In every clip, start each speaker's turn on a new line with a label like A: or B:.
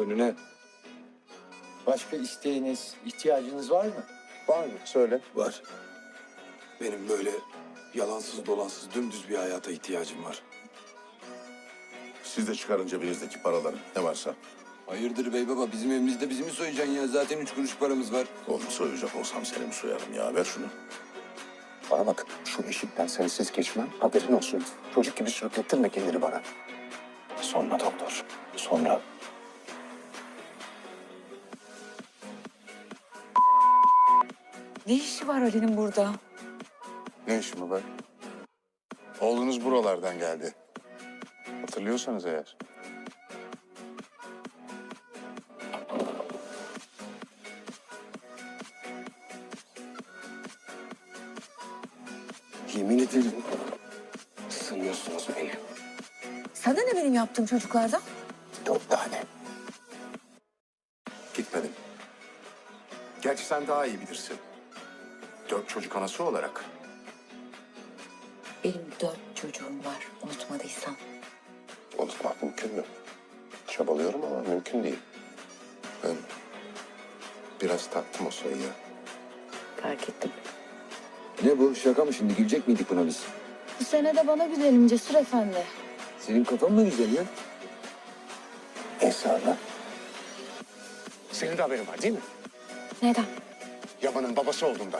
A: Önüne.
B: Başka isteğiniz, ihtiyacınız var mı?
C: Var mı? Söyle.
A: Var. Benim böyle yalansız dolansız dümdüz bir hayata ihtiyacım var.
C: Siz de çıkarın cebinizdeki paraları. Ne varsa.
A: Hayırdır bey baba, bizim evimizde bizi mi soyacaksın ya? Zaten 3 kuruş paramız var.
C: Oğlum soyacak olsam seni mi soyarım ya? Ver şunu.
D: Bana bak, şu eşikten sensiz geçmem, haberin olsun. Çocuk gibi sürüklettirme kendini bana. Sonra doktor, sonra.
E: Ne işi var Ali'nin burada?
C: Ne işin mi var? Oğlunuz buralardan geldi. Hatırlıyorsanız eğer.
D: Yemin ederim, ısınıyorsunuz beni.
E: Sana ne benim yaptığım çocuklardan?
D: 4 tane.
C: Gitmedim. Gerçi sen daha iyi bilirsin. 4 çocuk anası olarak.
E: Benim 4 çocuğum var, unutmadıysan.
D: Unutmak mümkün mü? Çabalıyorum ama mümkün değil.
C: Ben biraz taktım o sayıya.
E: Fark ettim.
A: Ne bu? Şaka mı şimdi? Gülecek miydik buna biz?
F: Bu sene de bana güzelim Cesur Efendi.
A: Senin kafan mı güzel ya?
D: Esra'la.
C: Senin de haberin var değil mi?
F: Neden?
C: Yaman'ın babası olduğundan.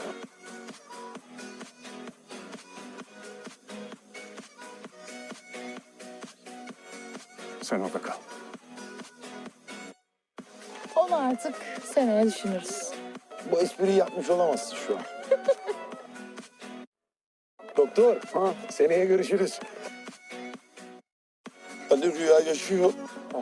C: Sen orada kal.
F: Onu artık seneye düşünürüz.
B: Bu espriyi yapmış olamazsın şu an. Doktor, seneye görüşürüz. Hadi rüya yaşıyor.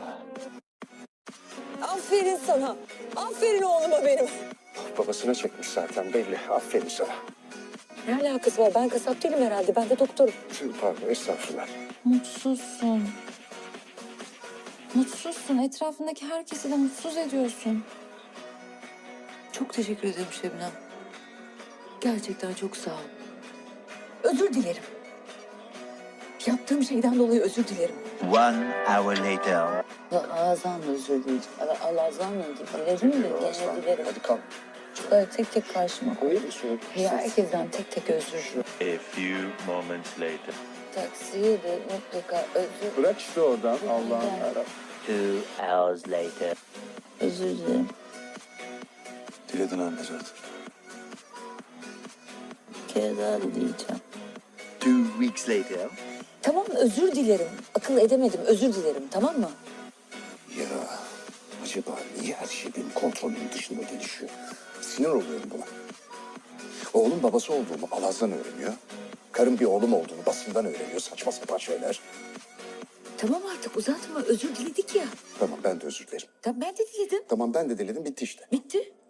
E: Aferin sana. Aferin oğluma benim.
D: Babasına çekmiş zaten belli. Aferin sana.
E: Ne alakası var? Ben kasap değilim herhalde. Ben de doktorum.
D: Pardon, estağfurullah.
F: Mutsuzsun. Mutsuzsun. Etrafındaki herkesi de mutsuz ediyorsun.
E: Çok teşekkür ederim Şebnem. Gerçekten çok sağ ol. Özür dilerim. Yaptığım şeyden dolayı özür dilerim.
G: 1 hour later.
E: Ağzından özür dileyeceğim. Ağzından dilerim de gene dilerim.
D: Hadi kalk.
E: Böyle tek tek karşıma koy.
D: Koyayım mı suyu?
E: Herkesten tek tek özür.
G: A few moments later.
E: Taksiye de mutlaka özür.
B: Bırak işte oradan Allah'ın yarabbim.
G: 2 hours later.
E: Özür dilerim.
A: Diledin anne zaten.
E: Bir kere daha dileyeceğim.
G: 2 weeks later.
E: Tamam özür dilerim. Akıl edemedim özür dilerim tamam mı?
D: Ya acaba niye her şey benim kontrolümün dışında gelişiyor? Sinir oluyorum buna. Oğlum babası olduğumu Alaz'dan öğreniyor. Karım bir oğlum olduğunu basından öğreniyor. Saçma sapan şeyler.
E: Tamam artık uzatma özür diledik ya.
D: Tamam ben de özür dilerim.
E: Tamam ben de diledim.
D: Tamam ben de diledim bitti işte.
E: Bitti.